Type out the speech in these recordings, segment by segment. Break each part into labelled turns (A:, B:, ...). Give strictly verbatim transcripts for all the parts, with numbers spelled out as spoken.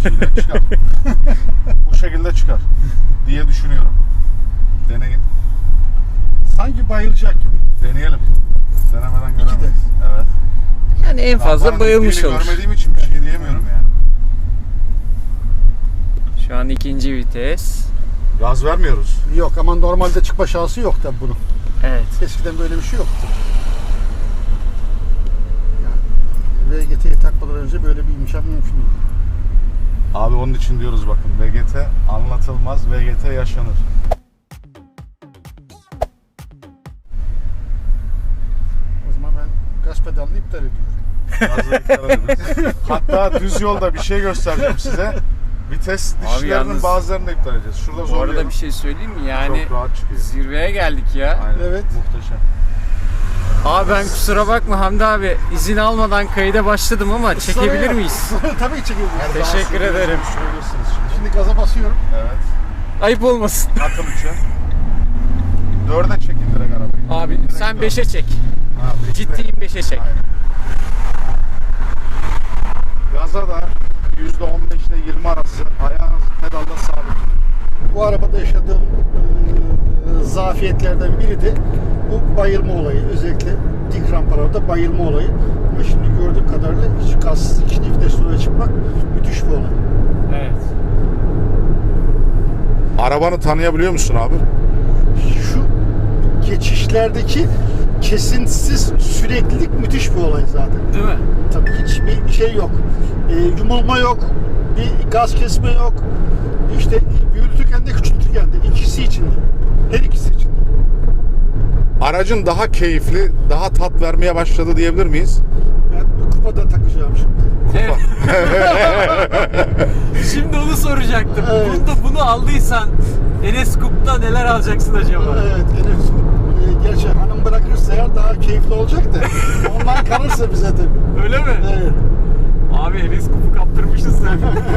A: Şimdi çıkar. Bu şekilde çıkar diye düşünüyorum. Deneyin.
B: Sanki bayılacak gibi.
A: Deneyelim. Denemeden göremeyiz. Evet.
C: Yani en fazla
A: Rampanın
C: bayılmış
A: gittiğini
C: olur.
A: görmediğim için bir şey diyemiyorum yani.
C: Şu an ikinci vites.
A: Gaz vermiyoruz.
B: Yok ama normalde çıkma şansı yok tabii bunun.
C: Evet.
B: Eskiden böyle bir şey yoktu. Yani V G T'yi takmadan önce böyle bir imkan mümkün değil.
A: Abi onun için diyoruz bakın. V G T anlatılmaz, V G T yaşanır.
B: O zaman ben gaz pedalını iptal ediyorum.
A: Gazla iptal ederiz. Hatta düz yolda bir şey göstereceğim size. Vites dişlerinin
C: yalnız-
A: bazılarını da iptal edeceğiz. Şurada
C: Bu
A: zorlayalım.
C: arada bir şey söyleyeyim mi? Yani
A: Çok rahat çıkıyor.
C: zirveye geldik ya.
A: Aynen.
B: Evet.
A: Muhteşem.
C: Abi ben kusura bakma Hamdi abi, izin almadan kayda başladım ama çekebilir miyiz?
B: Tabii ki çekebiliriz.
C: Teşekkür ederim.
A: Söylüyorsunuz şimdi.
B: Şimdi gaza basıyorum.
A: Evet.
C: Ayıp olmasın.
A: Atın üçe. Dörde çekin direkt arabayı.
C: Abi
A: Direkt
C: sen
A: dört.
C: beşe çek.
A: Ha, beşe.
C: Ciddiyim, beşe çek.
A: Aynen. Gaza da yüzde on beş ile yirmi arası ayağınız pedalda sabit.
B: Bu arabada yaşadığım e, zafiyetlerden biri de bu bayılma olayı. Özellikle dik rampalarda bayılma olayı. Ama şimdi gördüğüm kadarıyla hiç gazsız ikinci vites oraya çıkmak müthiş bir olay.
C: Evet.
A: Arabanı tanıyabiliyor musun abi?
B: Şu geçişlerdeki kesintisiz süreklilik müthiş bir olay zaten.
C: Değil mi?
B: Tabii hiçbir şey yok. E, yumulma yok. Bir gaz kesme yok. İşte büyütürken de küçültürken de ikisi için de. Her ikisi için de.
A: Aracın daha keyifli, daha tat vermeye başladı diyebilir miyiz?
B: Ben kupada takacağım şimdi.
C: Evet. Şimdi onu soracaktım.
B: Evet.
C: Bunda bunu aldıysan Enes Coup'ta neler alacaksın acaba?
B: Evet, Enes e, gerçi hanım bırakırsa eğer daha keyifli olacak da ondan kalırsa bize tabii.
C: Öyle mi?
B: Evet.
C: Abi Enes Coup'u kaptırmışız sen.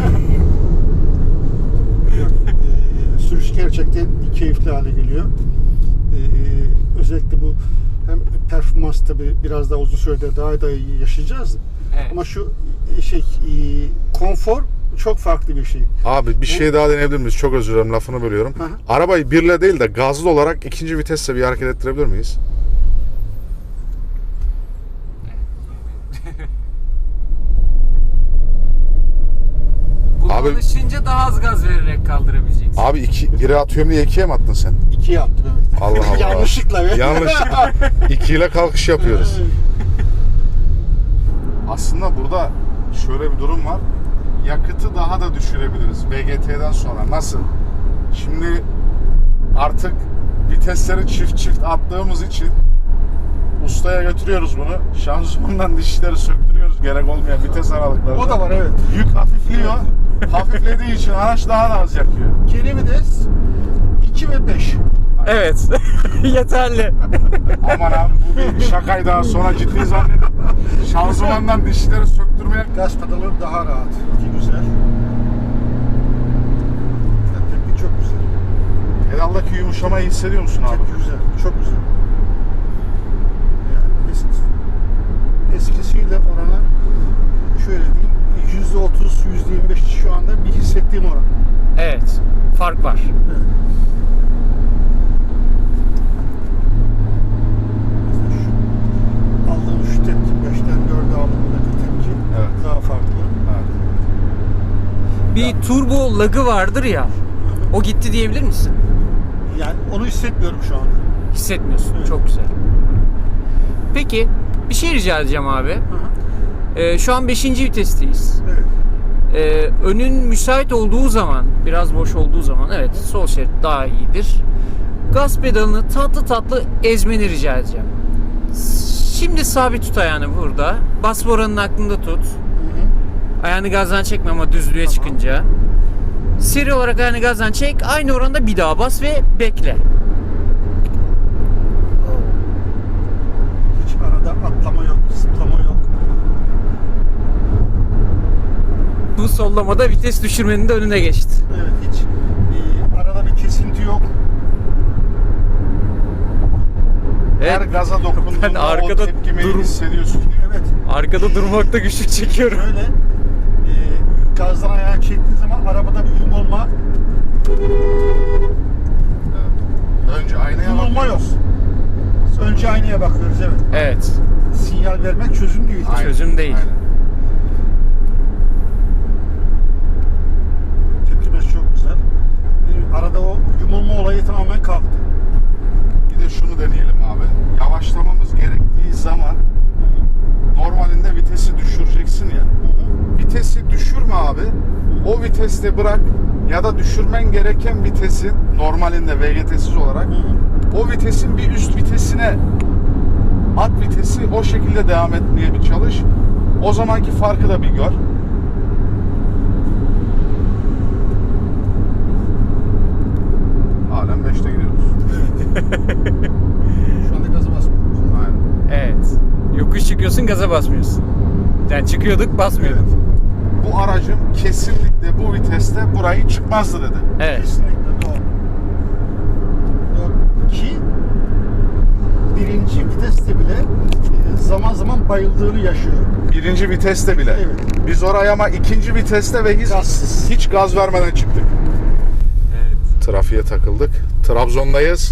B: e, sürüş gerçekten keyifli hale geliyor. E, özellikle bu hem performans tabii biraz daha uzun sürede daha da iyi yaşayacağız.
C: Evet.
B: Ama şu e, şey e, konfor çok farklı bir şey.
A: Abi bir şey daha deneyebilir miyiz? Çok özür dilerim, lafını bölüyorum.
B: Hı hı.
A: Arabayı birle değil de gazlı olarak ikinci vitesle bir hareket ettirebilir miyiz?
C: Buna
A: Abi-
C: alışınca daha az gaz vererek kaldırabileceksin.
A: Abi iki, biri atıyorum diye ikiye mi attın sen?
B: İkiye yaptım evet.
A: Allah Allah.
B: Yanlışlıkla. evet.
A: Yanlışlıkla. İkiyle kalkış yapıyoruz. Aslında burada şöyle bir durum var. Yakıtı daha da düşürebiliriz V G T'den sonra. Nasıl? Şimdi artık vitesleri çift çift attığımız için ustaya götürüyoruz bunu. Şanzımandan dişleri söktürüyoruz gerek olmayan vites aralıklarında.
B: O da var evet.
A: Yük hafifliyor. Hafiflediği için araç daha da az yakıyor.
B: Geri vites iki ve beş.
C: Evet. Yeterli.
A: Aman abi bu bir şakaydı, daha sonra ciddi zannedin. Şanzımandan dişleri söktürmeye...
B: Gaz pedalı daha rahat. İki güzel. Tepki çok güzel.
A: Pedaldaki yumuşamayı hissediyor musun abi?
B: Tepki güzel. Çok güzel. Yani eskisi, eskisiyle orana şöyle diyeyim yüzde otuz, yüzde yirmi beş şu anda bir hissettiğim oran.
C: Evet. Fark var.
B: Evet. Mesela şu aldığım şu tepki beşten dörde aldığımdaki tepki
A: Evet.
B: daha farklı.
A: Evet.
C: Bir turbo lagı vardır ya. O gitti diyebilir misin?
B: Yani onu hissetmiyorum şu anda.
C: Hissetmiyorsun.
B: Evet.
C: Çok güzel. Peki bir şey rica edeceğim abi.
B: Hı hı.
C: Ee, şu an beşinci vitesteyiz.
B: Evet.
C: Ee, önün müsait olduğu zaman, biraz boş olduğu zaman evet sol şerit daha iyidir. Gaz pedalını tatlı tatlı ezmeni rica edeceğim. Şimdi sabit tut ayağını burada. Bas boranın aklında tut.
B: Hı hı.
C: Ayağını gazdan çekme ama düzlüğe
B: Tamam.
C: çıkınca. Seri olarak ayağını gazdan çek. Aynı oranda bir daha bas ve bekle.
B: Hiç arada atlama yok, zıplama yok.
C: Bu sollamada vites düşürmenin de önüne geçti.
B: Evet, hiç e, arada bir kesinti yok.
A: Her
C: Evet.
A: gaza dokunduğunda
C: Ben
A: o
C: arkada
A: tepkimeyi
C: durum-
A: hissediyorsun.
B: Evet,
C: Arkada durmakta güçlük çekiyorum.
B: şöyle e, gazdan ayağı çektiğim çözümdeniz, evet.
C: Evet.
B: Sinyal vermek çözüm değil.
A: Aynen,
C: Çözüm değil.
A: aynen.
B: Tepkimesi çok güzel. Ee, Arada o yumulma olayı tamamen kalktı.
A: Bir de şunu deneyelim abi. Yavaşlamamız gerektiği zaman normalinde vitesi düşüreceksin ya. Vitesi düşürme abi. O viteste bırak ya da düşürmen gereken vitesin normalinde V G T'siz olarak o vitesin bir üst vitesine at vitesi, o şekilde devam etmeye bir çalış. O zamanki farkı da bir gör. Halen beşte gidiyoruz.
B: Şu anda gazı basmıyoruz.
A: Aynen.
C: Evet. Yokuş çıkıyorsun, gaza basmıyorsun. Yani çıkıyorduk, basmıyorduk.
A: Evet. Bu aracım kesinlikle bu viteste burayı çıkmazdı dedi.
C: Evet.
B: Kesinlikle doğru. Doğru. Ki birinci viteste bile e, zaman zaman bayıldığını yaşıyor.
A: Birinci viteste bile.
B: Evet.
A: Biz oraya ama ikinci viteste ve hiç,
B: Gazsız.
A: hiç gaz vermeden çıktık.
C: Evet.
A: Trafiğe takıldık. Trabzon'dayız.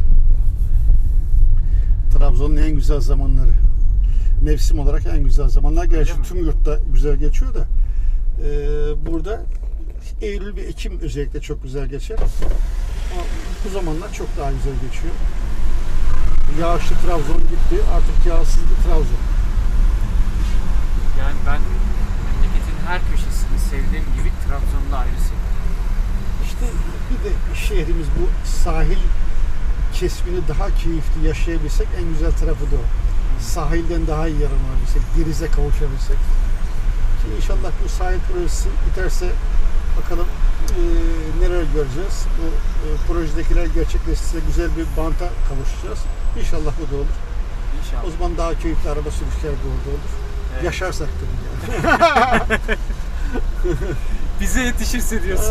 B: Trabzon'un en güzel zamanları. Mevsim olarak en güzel zamanlar. Gerçi
C: mi?
B: tüm yurtta güzel geçiyor da e, burada Eylül ve Ekim özellikle çok güzel geçer. Ama bu zamanlar çok daha güzel geçiyor. Yağışlı Trabzon gitti. Artık yağsız bir Trabzon.
C: Yani ben memleketin her köşesini sevdiğim gibi Trabzon'da ayrı seviyorum.
B: İşte bir de şehrimiz bu sahil kesimini daha keyifli yaşayabilsek en güzel tarafı da o. Sahilden daha iyi yararlanabilsek, denize kavuşabilsek. Ki inşallah bu sahil projesi biterse bakalım e, neler göreceğiz. Bu e, projedekiler gerçekleşirse güzel bir banta kavuşacağız. İnşallah bu da olur.
C: İnşallah.
B: O zaman daha keyifli araba sürüşleri de orada olur.
C: Evet.
B: Yaşarsak tabii yani.
C: Bize yetişirse diyorsun.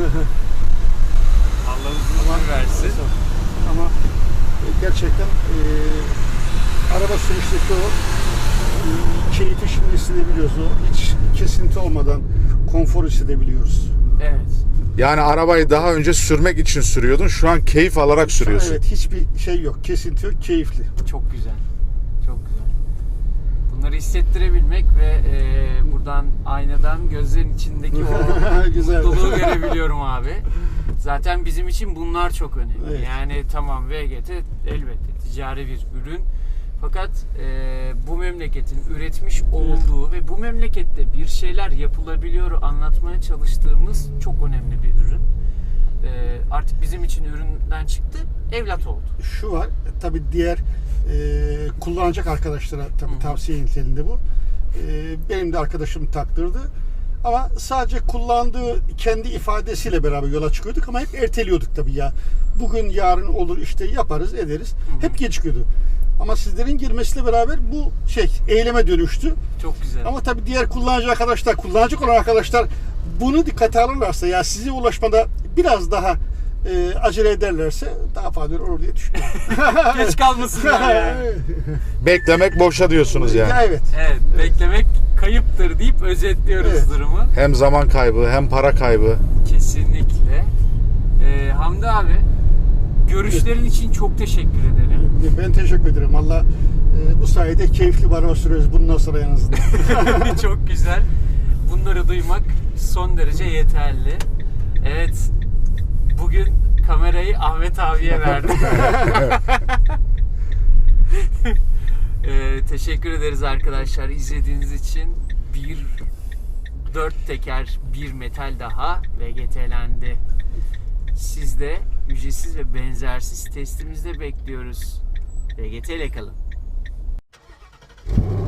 C: Allah uzun
B: Ama-
C: ömür versin.
B: Ama e, gerçekten e, araba sürüşteki o e, keyfi şimdi hissedebiliyoruz. O hiç kesinti olmadan konfor hissedebiliyoruz.
C: Evet.
A: Yani arabayı daha önce sürmek için sürüyordun. Şu an keyif alarak sürüyorsun.
B: Evet, hiçbir şey yok. Kesinti yok. Keyifli.
C: Çok güzel. Çok güzel. Bunları hissettirebilmek ve e, buradan aynadan gözlerin içindeki o
B: Güzel.
C: mutluluğu görebiliyorum abi. Zaten bizim için bunlar çok önemli.
B: Evet.
C: Yani tamam V G T elbette ticari bir ürün. Fakat e, bu memleketin üretmiş olduğu ve bu memlekette bir şeyler yapılabiliyor anlatmaya çalıştığımız çok önemli bir ürün. E, artık bizim için üründen çıktı, evlat oldu.
B: Şu var. Tabii diğer e, kullanacak arkadaşlara tabii tavsiye niteliğinde bu. E, benim de arkadaşım taktırdı. Ama sadece kullandığı kendi ifadesiyle beraber yola çıkıyorduk ama hep erteliyorduk tabii ya. Bugün yarın olur işte yaparız ederiz.
C: Hı hı.
B: Hep gecikiyordu. Ama sizlerin girmesiyle beraber bu şey eyleme dönüştü.
C: Çok güzel.
B: Ama tabii diğer kullanıcı arkadaşlar, kullanacak olan arkadaşlar bunu dikkate alırlarsa ya size ulaşmada biraz daha e, acele ederlerse daha faydalı olur diye düşünüyorum.
C: Geç kalmasınlar yani.
A: Beklemek boşa diyorsunuz yani.
B: Ya evet.
C: Evet, beklemek kayıptır deyip özetliyoruz
B: Evet.
C: durumu.
A: Hem zaman kaybı hem para kaybı.
C: Kesinlikle. Ee, Hamdi abi, görüşlerin için çok teşekkür ederim.
B: Ben teşekkür ederim. Valla e, bu sayede keyifli bir araba sürüyoruz bundan sonra en azından.
C: Çok güzel. Bunları duymak son derece yeterli. Evet, bugün kamerayı Ahmet abiye verdim. ee, teşekkür ederiz arkadaşlar izlediğiniz için. Bir dört teker bir metal daha V G T'lendi. Siz de ücretsiz ve benzersiz testimizde bekliyoruz. V G T ile kalın.